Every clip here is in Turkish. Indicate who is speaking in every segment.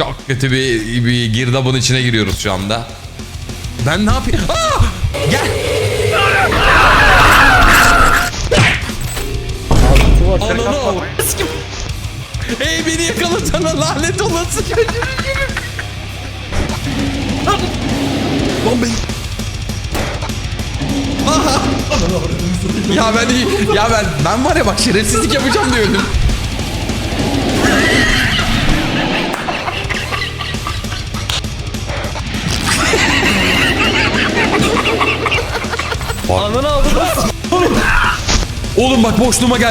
Speaker 1: Çok kötü bir girdabın içine giriyoruz şu anda. Ben ne yapayım? Aa! Gel. Ananı. Hey beni yakalasana lanet olası. Lan beni. Aha. Ben var ya bak şerefsizlik yapacağım diye öldüm.
Speaker 2: Ananı aldım.
Speaker 1: Oğlum bak boşluğuma gel.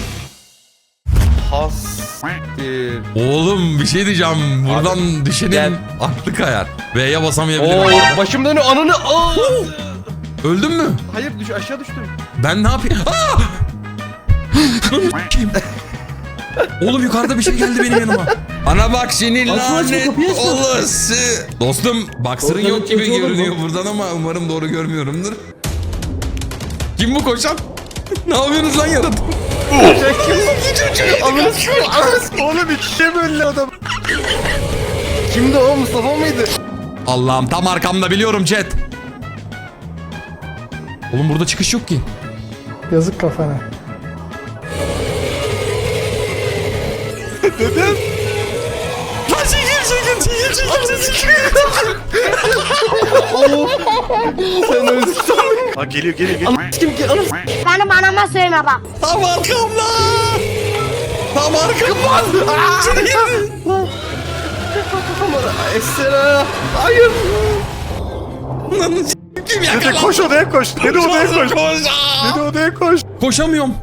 Speaker 1: Oğlum bir şey diyeceğim. Buradan
Speaker 2: Abi,
Speaker 1: düşenin
Speaker 2: gel.
Speaker 1: aklı kayar. V'ye basamayabilirim.
Speaker 2: Başım dönüyor ananı.
Speaker 1: Öldün mü?
Speaker 2: Hayır aşağı düştüm.
Speaker 1: Ben ne yapayım? Oğlum yukarıda bir şey geldi benim yanıma. Ana bak senin lanet olası. Dostum boxer'ın yok gibi görünüyor buradan ama umarım doğru görmüyorumdur. Kim bu koşan? Ne yapıyorsunuz lan yaratık?
Speaker 2: Oğlum ikiye böldü adam. Kimdi o, Mustafa mıydı?
Speaker 1: Allah'ım tam arkamda biliyorum chat. Oğlum burada çıkış yok ki.
Speaker 3: Yazık kafana.
Speaker 2: Dedem.
Speaker 1: Lan çekil.
Speaker 2: Sen öldün.
Speaker 4: Ha geliyor.
Speaker 2: Kim ki? Anam.
Speaker 5: Benim anama söyleme bak.
Speaker 1: Tam arkamda. Tam arkamda.
Speaker 2: Esra. Hayır.
Speaker 1: Kim
Speaker 4: Dede
Speaker 1: yakala?
Speaker 4: koş odaya koş. Dede odaya koş.
Speaker 1: Koş.
Speaker 4: Dede odaya koş.
Speaker 1: Koşamıyorum.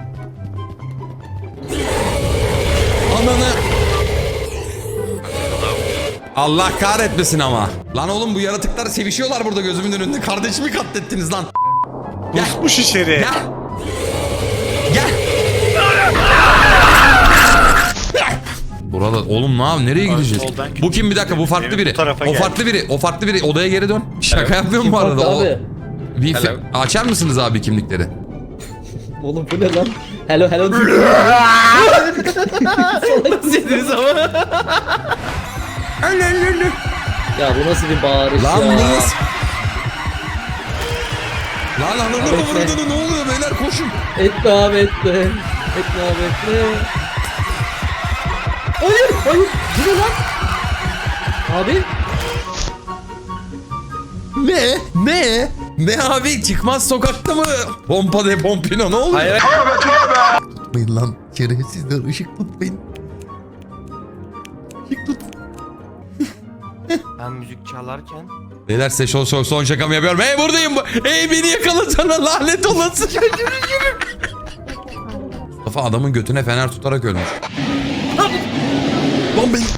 Speaker 1: Ananı. Allah kahretmesin ama. Lan oğlum bu yaratıklar sevişiyorlar burada gözümün önünde. Kardeşimi katlettiniz lan.
Speaker 4: Pusmuş içeri.
Speaker 1: Gel. Gel. Burada oğlum nereye gideceğiz?
Speaker 4: soldan
Speaker 1: Bu kim bir dakika bu farklı
Speaker 4: Evin
Speaker 1: biri.
Speaker 4: bu tarafa
Speaker 1: O
Speaker 4: gel.
Speaker 1: farklı biri. O farklı biri. Odaya geri dön. Şaka yapmıyorum bu arada.
Speaker 6: Abi.
Speaker 1: Bir açar mısınız abi kimlikleri?
Speaker 6: Oğlum bu ne lan? Hello. Salak mısınız ama? Ya bu nasıl bir bağırış
Speaker 1: Lan
Speaker 6: ya?
Speaker 1: bu nasıl? Lan ananı
Speaker 6: Bekle.
Speaker 1: kıvırdığını ne oluyor beyler koşun.
Speaker 6: Etme abi etme. Etme abi etme. Hayır. Bu ne lan? Abi.
Speaker 1: Ne abi çıkmaz sokakta mı? Pompa de pompino ne oluyor?
Speaker 2: Hayır.
Speaker 1: Tutmayın lan şerefsizler ışık tutmayın. Işık tut.
Speaker 2: Ben müzik çalarken.
Speaker 1: Beyler size son şakamı yapıyorum. Hey buradayım. Hey beni yakalasana lanet olası. Mustafa adamın götüne fener tutarak ölmüş. Lan beni.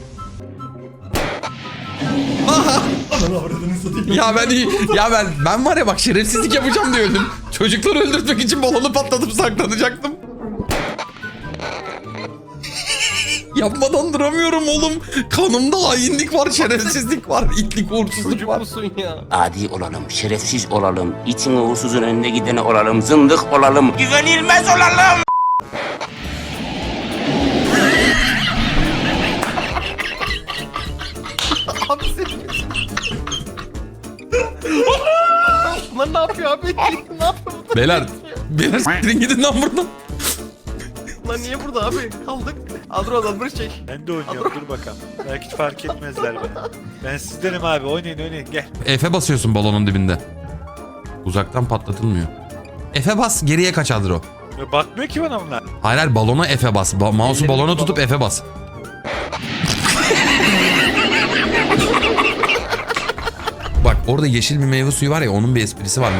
Speaker 1: Aha. Ben var ya bak şerefsizlik yapacağım diye öldüm. Çocukları öldürtmek için balonu patlatıp saklanacaktım. Yapmadan duramıyorum oğlum. Kanımda hainlik var, şerefsizlik var, itlik, uğursuzluk
Speaker 2: Çocuk
Speaker 1: var.
Speaker 2: musun ya?
Speaker 7: Adi olalım, şerefsiz olalım, itin uğursuzun önüne gideni olalım, zındık olalım, güvenilmez olalım.
Speaker 2: Abi senin. Bunlar ne yapıyor abi? Ne yapıyor bunlar?
Speaker 1: Beyler siktirin gidin lan buradan.
Speaker 2: Lan niye burada abi? Kaldık. Aldır oradan çek.
Speaker 4: Ben de oynuyorum dur bakalım. Belki hiç fark etmezler beni. Ben sizdenim abi oynayın gel.
Speaker 1: F'e basıyorsun balonun dibinde. Uzaktan patlatılmıyor. F'e bas, geriye kaç Adro.
Speaker 4: Ya bakmıyor ki bana bunlar.
Speaker 1: Hayır balona F'e bas. Mouse'u balona tutup F'e bas. Bak orada yeşil bir meyve suyu var ya onun bir esprisi var.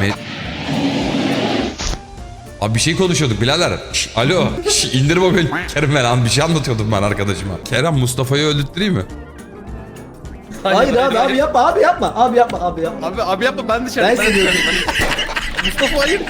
Speaker 1: Abi bir şey konuşuyorduk birader. Alo. İndir mobil. Kerem lan bir şey anlatıyordum ben arkadaşıma. Kerem Mustafa'yı öldürtüreyim mi?
Speaker 6: Hayır abi yapma abi yapma. Abi
Speaker 2: yapma ben dışarı.
Speaker 6: Ben seni
Speaker 2: dışarı. Mustafa hayır.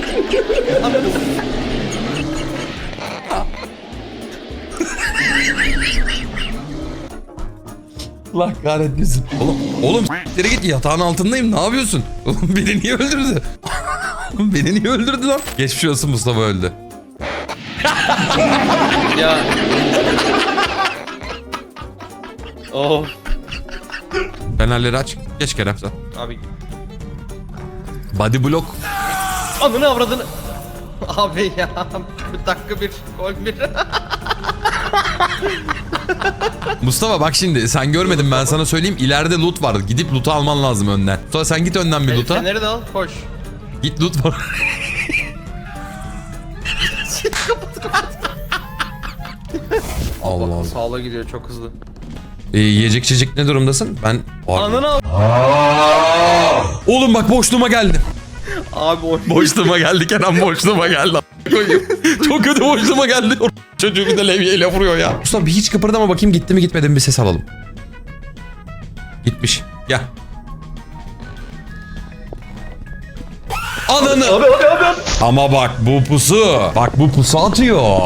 Speaker 1: Allah kahretmesin. Oğlum s**tlere git yatağın altındayım ne yapıyorsun? Oğlum beni niye öldürdü? Beni niye öldürdü lan? Geçmiş olsun Mustafa öldü.
Speaker 2: Ya.
Speaker 6: Oh.
Speaker 1: Fenerleri aç. Geç Kerem sen.
Speaker 6: Abi.
Speaker 1: Body block.
Speaker 6: Anını avradını. Abi ya. Bir dakika bir. Gol bir.
Speaker 1: Mustafa bak şimdi sen görmedin ben sana söyleyeyim. İleride loot var. Gidip loot'u alman lazım önden. Sonra sen git önden bir loot'a.
Speaker 6: Feneri de al. Koş.
Speaker 1: Git loot var. Allah Allah.
Speaker 6: Sağla gidiyor çok hızlı.
Speaker 1: Yiyecek içecek ne durumdasın? Ben...
Speaker 6: Anını al.
Speaker 1: Oğlum bak boşluğuma geldi.
Speaker 6: Abi o.
Speaker 1: Boşluğuma geldi Kenan boşluğuma geldi. Koyayım. Çok kötü boşluğuma geldi. Çocuğu bir de levyeyle vuruyor ya. Mustafa bir hiç kıpırdama bakayım gitti mi gitmedi mi bir ses alalım. Gitmiş. Gel. Ananı.
Speaker 6: Abi.
Speaker 1: Ama bak bu pusu. Bak bu pusu atıyor.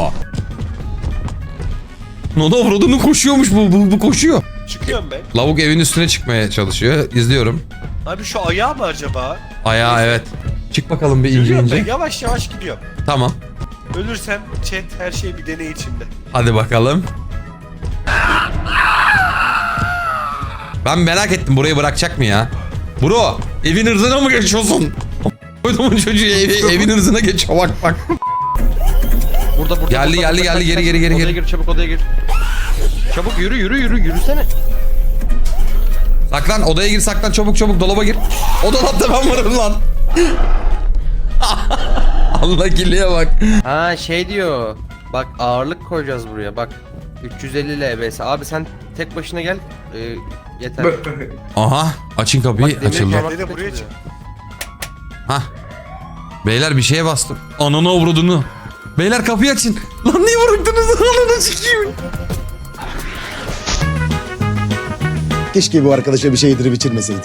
Speaker 1: Noda vurduğunu koşuyormuş bu koşuyor.
Speaker 4: Çıkıyorum ben.
Speaker 1: Lavuk evin üstüne çıkmaya çalışıyor. İzliyorum.
Speaker 4: Abi şu ayağı mı acaba?
Speaker 1: Ayağı evet. Çık bakalım bir ince
Speaker 4: Yürüyorum ben,
Speaker 1: ince.
Speaker 4: yavaş yavaş gidiyorum.
Speaker 1: Tamam.
Speaker 4: Ölürsem chat her şey bir deney içinde.
Speaker 1: Hadi bakalım. Ben merak ettim burayı bırakacak mı ya? Bro evin ırzına mı geçiyorsun? Koyduğumun çocuğu evin ırzına geçiyor bak.
Speaker 6: Burada.
Speaker 1: Geldi, geri.
Speaker 6: Odaya gir çabuk odaya gir. Çabuk yürüsene.
Speaker 1: Saklan odaya gir saklan çabuk dolaba gir. O dolapta ben varım lan. Allah giliye bak.
Speaker 6: Ha şey diyor. Bak ağırlık koyacağız buraya bak. 350 LBS. Abi sen tek başına gel. Yeter.
Speaker 1: Aha açın kapıyı
Speaker 6: Bak, demir
Speaker 1: açıldı.
Speaker 6: parmak-
Speaker 4: Dede buraya çık.
Speaker 1: Hah. Beyler bir şeye bastım. Ananı avradını. Beyler kapıyı açın. Lan niye vurdunuz? Ananı sikeyim.
Speaker 8: Keşke bu arkadaşa bir şey yedirip içirmeseydik.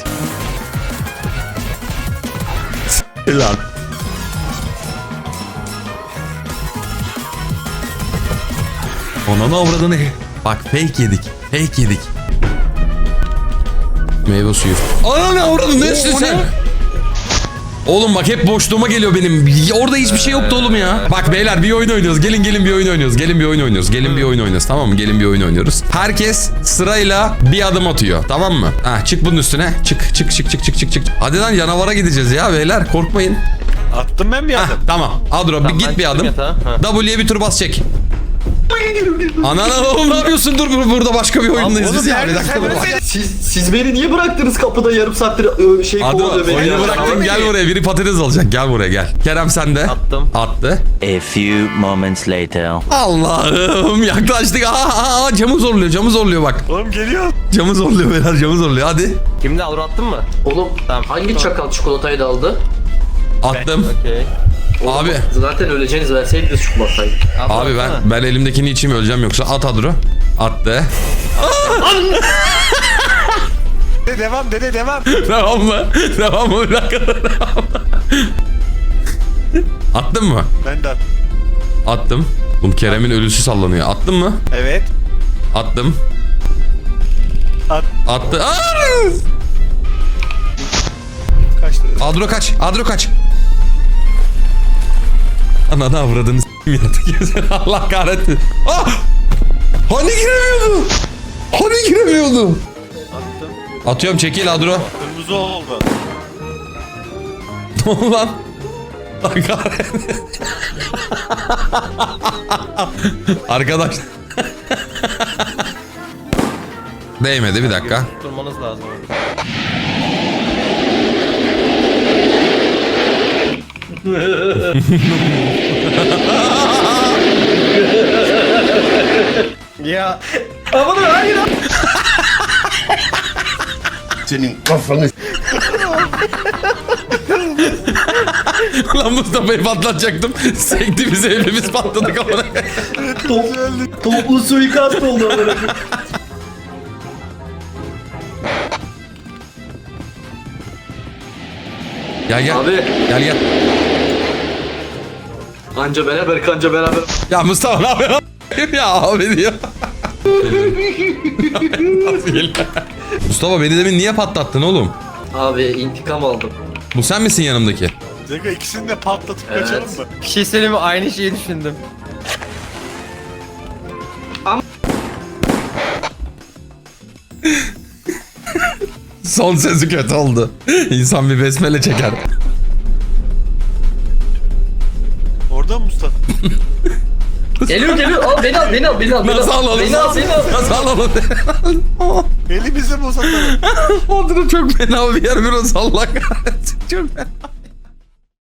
Speaker 1: Lan. Ananı avradını. Bak fake yedik. Meyve suyu. Ananı avradını ne içtin sen? Oğlum bak hep boşluğuma geliyor benim. Orada hiçbir şey yoktu oğlum ya. Bak beyler bir oyun oynuyoruz. Gelin bir oyun oynuyoruz. Gelin bir oyun oynuyoruz. Tamam mı? Gelin bir oyun oynuyoruz. Herkes sırayla bir adım atıyor. Tamam mı? Ha çık bunun üstüne. Çık. Hadi lan yanavara gideceğiz ya beyler. Korkmayın.
Speaker 4: Attım ben bir
Speaker 1: Hah,
Speaker 4: adım.
Speaker 1: tamam. Adro
Speaker 6: Tamam,
Speaker 1: bir git
Speaker 6: ben
Speaker 1: bir
Speaker 6: çıktım
Speaker 1: adım.
Speaker 6: yatağa. Ha.
Speaker 1: W'ye bir tur bas çek. Anana oğlum ne yapıyorsun? Dur burada başka bir oyundayız
Speaker 4: oğlum,
Speaker 1: biz ya. Bir
Speaker 4: nerede
Speaker 1: dakika
Speaker 4: sen
Speaker 1: dur.
Speaker 4: nerede?
Speaker 6: Siz beni niye bıraktınız kapıda yarım saattir şey
Speaker 1: Adro
Speaker 6: kovalıyor beni.
Speaker 1: oyunu bıraktım gel buraya. Biri patates alacak. Gel buraya gel. Kerem sen de.
Speaker 6: Attım.
Speaker 1: Attı.
Speaker 9: A few moments later.
Speaker 1: Allah'ım yaklaştık. Aa, camı zorluyor bak.
Speaker 4: Oğlum geliyor.
Speaker 1: Camı zorluyor beyler camı zorluyor. Hadi.
Speaker 6: Kimde Alur attın mı?
Speaker 10: Oğlum
Speaker 6: Tamam.
Speaker 10: hangi çakal çikolatayı da aldı?
Speaker 1: Attım.
Speaker 6: Okey.
Speaker 1: Abi.
Speaker 10: Zaten öleceğiniz verseydiniz çikolatayı.
Speaker 1: Abi ben elimdekini içeyim öleceğim yoksa. At Adro. Attı.
Speaker 4: Dede devam dede devam.
Speaker 1: Devam mı? Bir dakika. Attın mı?
Speaker 4: Ben de attım.
Speaker 1: Attım. Oğlum Kerem'in ölüsü sallanıyor. Attın mı?
Speaker 4: Evet.
Speaker 1: Attım. Attı. Aa!
Speaker 4: Kaçtı.
Speaker 1: Adro kaç. Ananı avradını s**im yatık. Allah kahretsin. Ah! Hani giremiyordu?
Speaker 4: Attım.
Speaker 1: Atıyorum çekil Adro.
Speaker 4: Kırmızı oldu.
Speaker 1: Ne oldu lan? Allah kahretsin. Arkadaş. Değmedi bir dakika.
Speaker 6: Durmanız lazım. Ya. Aman hayır.
Speaker 8: Senin kafanı
Speaker 1: Lan Mustafa'yı patlatacaktım. Sekti bize hepimiz patladık amına.
Speaker 6: Toplu suikast oldu amına.
Speaker 1: Gel.
Speaker 10: Abi
Speaker 1: Gel.
Speaker 10: anca beraber.
Speaker 1: Ya Mustafa ne yapıyorsun? Ya abi diyor. Mustafa beni demin niye patlattın oğlum?
Speaker 10: Abi intikam aldım.
Speaker 1: Bu sen misin yanımdaki?
Speaker 4: Zeka ikisini de patlatıp
Speaker 10: Evet.
Speaker 4: kaçalım mı?
Speaker 6: Bir şey söyleyeyim mi? Aynı şeyi düşündüm.
Speaker 1: Son sözü kötü oldu. İnsan bir besmele çeker.
Speaker 4: Orada mı Mustafa?
Speaker 10: Geliyor. Al beni al.
Speaker 1: Nasıl alalım?
Speaker 10: Beni al.
Speaker 1: Nasıl alalım?
Speaker 4: Elimizi mi uzatalım?
Speaker 1: Orada çok fena bir yer biraz Allah kahretsin. Çok fena.